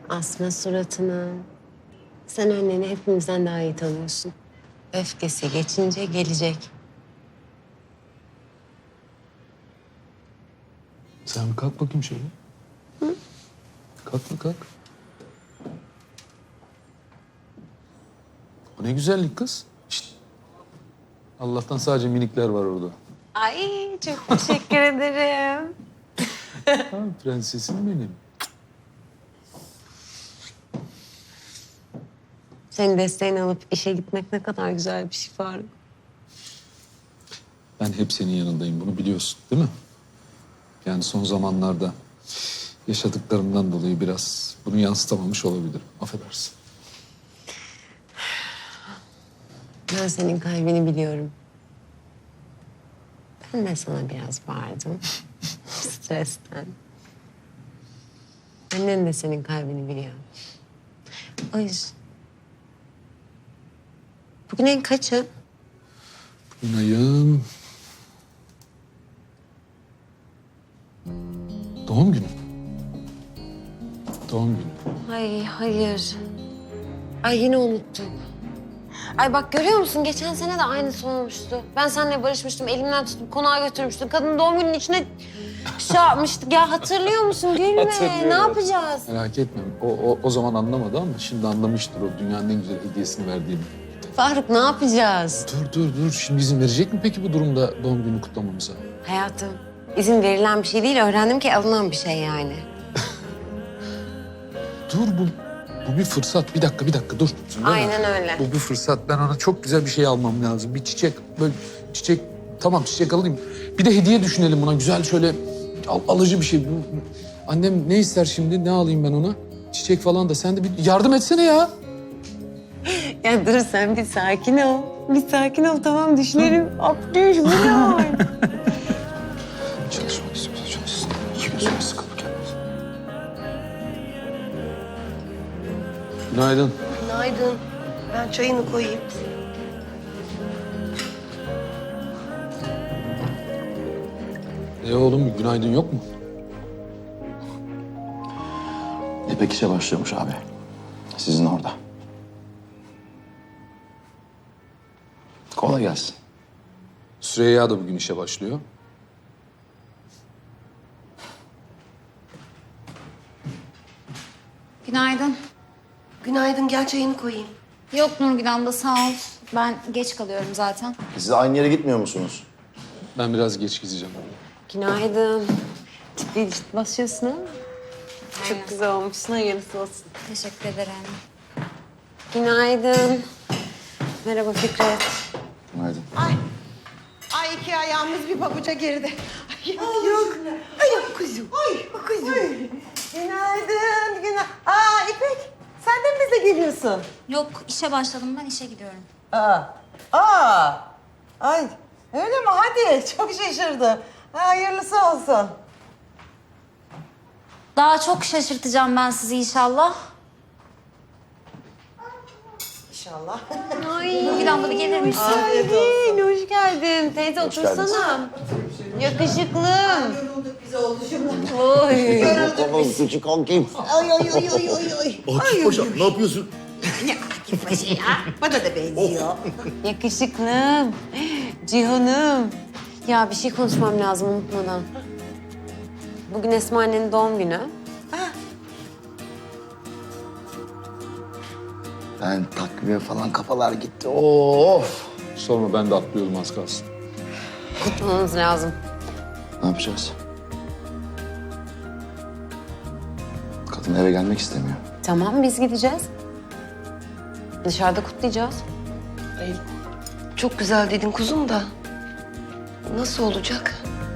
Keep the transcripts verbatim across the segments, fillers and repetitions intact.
Asma suratını. Sen anneni hepimizden daha iyi tanıyorsun. Öfkesi geçince gelecek. Sen kalk bakayım şöyle. Hı? Kalk mı kalk? O ne güzellik kız. Şişt. Allah'tan sadece minikler var orada. Ay çok teşekkür ederim. Ha, prensesim benim. Senin desteğini alıp işe gitmek ne kadar güzel bir şey Faruk. Ben hep senin yanındayım, bunu biliyorsun değil mi? Yani son zamanlarda yaşadıklarımdan dolayı biraz bunu yansıtamamış olabilirim. Affedersin. Ben senin kalbini biliyorum. Ben de sana biraz bağırdım. Stresten. Annen de senin kalbini biliyor. O yüzden... Bugün en kaçı? Bugün ayın... Doğum günü. Doğum günü. Ay hayır. Ay yine unuttum. Ay bak görüyor musun? Geçen sene de aynısı olmuştu. Ben seninle barışmıştım. Elimden tutup konağa götürmüştüm. Kadın doğum gününün içine şey yapmıştık. Ya hatırlıyor musun? Gülme. Hatırlıyorum. Ne yapacağız? Merak etme. O, o, o zaman anlamadı ama şimdi anlamıştır o dünyanın en güzel hediyesini verdiğini. Faruk ne yapacağız? Dur dur dur. Şimdi izin verecek mi peki bu durumda doğum günü kutlamamıza? Hayatım, izin verilen bir şey değil. Öğrendim ki alınan bir şey yani. Dur bu, bu bir fırsat. Bir dakika bir dakika dur. Zümrüt. Aynen öyle. Bu bir fırsat. Ben ona çok güzel bir şey almam lazım. Bir çiçek böyle çiçek. Tamam çiçek alayım. Bir de hediye düşünelim buna. Güzel şöyle al- alıcı bir şey. Bu- Annem ne ister şimdi? Ne alayım ben ona? Çiçek falan da. Sen de bir yardım etsene ya. Ya dur sen bir sakin ol. Bir sakin ol tamam düşünelim. Abdüş bu ne hal? Çalışmak istiyorsa çalışsın. İki gün sonra sıkılıp gelmez. Günaydın. Günaydın. Ben çayını koyayım. E oğlum günaydın yok mu? İpek işe başlıyormuş abi. Sizin orada. Kolay gelsin. Süreyya da bugün işe başlıyor. Günaydın. Günaydın, gel çayını koyayım. Yok Nurgül abla sağ ol. Ben geç kalıyorum zaten. Siz aynı yere gitmiyor musunuz? Ben biraz geç gideceğim. Günaydın. Ciddi ciddi basıyorsun ha? Çok güzel olmuşsun. Hayırlısı olsun. Teşekkür ederim. Günaydın. Merhaba Fikret. Günaydın. Ay. Ay iki ayağımız bir pabuca girdi. Ay, yok. Ay yok kuzum. Ay kuzum. Günaydın. Günaydın. Aa İpek. Sen de mi bize geliyorsun? Yok işe başladım ben işe gidiyorum. Aa. Aa. Ay öyle mi? Hadi. Çok şaşırdım. Ha, hayırlısı olsun. Daha çok şaşırtacağım ben sizi inşallah. İnşallah. Ay. Nurgül abla bir gelir misin? Aylin hoş geldin. Teyze geldiniz. otursana. Yakışıklım. Yorulduk biz oğluşumla. Oy. Bakalım küçük kankim. Ay ay ay ay ay ay. Akif Paşa ne yapıyorsun? Ne Akif Paşa ya? Bana da benziyor. Yakışıklım. Cihan'ım. Ya bir şey konuşmam lazım unutmadan. Bugün Esma annenin doğum günü. Ben takviye falan kafalar gitti. Of. Sorma ben de atlıyordum az kalsın. Kutlamamız lazım. Ne yapacağız? Kadın eve gelmek istemiyor. Tamam biz gideceğiz. Dışarıda kutlayacağız. Ay, çok güzel dedin kuzum da. Nasıl olacak?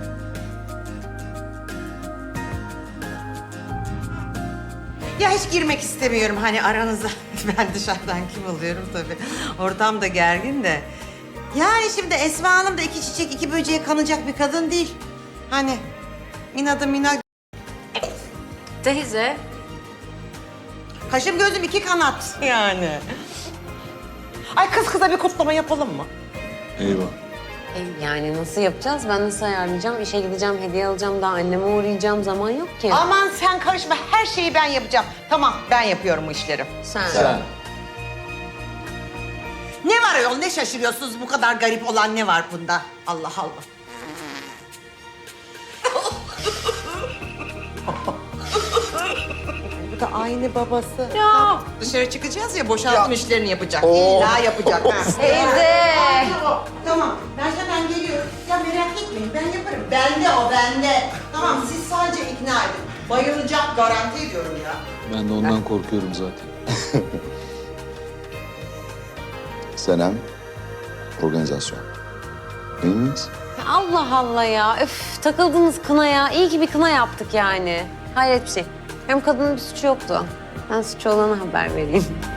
Ya hiç girmek istemiyorum hani aranıza. Ben dışarıdan kim oluyorum tabii. Ortam da gergin de. Yani şimdi Esma Hanım da iki çiçek iki böceğe kanacak bir kadın değil. Hani inadı minat. Teyze. Kaşım gözüm iki kanat yani. Ay kız kıza bir kutlama yapalım mı? Eyvah. E, yani nasıl yapacağız? Ben nasıl ayarlayacağım? İşe gideceğim, hediye alacağım, daha anneme uğrayacağım. Zaman yok ki. Aman sen karışma, her şeyi ben yapacağım. Tamam, ben yapıyorum bu işleri. Sen. Sen. Ne var ayol, ne şaşırıyorsunuz? Bu kadar garip olan ne var bunda? Allah Allah. Bu da aynı babası. Ya. Dışarı çıkacağız ya, boşaltım işlerini yapacak. İlla yapacak. ha. Teyze. Tamam, ben hemen geliyorum. Ya merak etmeyin, ben yaparım. Bende o, bende. Tamam, siz sadece ikna edin. Bayılacak, garanti ediyorum ya. Ben de ondan korkuyorum zaten. Senem, organizasyon. Değil miyiz? Allah Allah ya. Öf, takıldınız kınaya. İyi ki bir kına yaptık yani. Hayret bir şey. Hem kadının bir suçu yoktu. Ben suçu olana haber vereyim.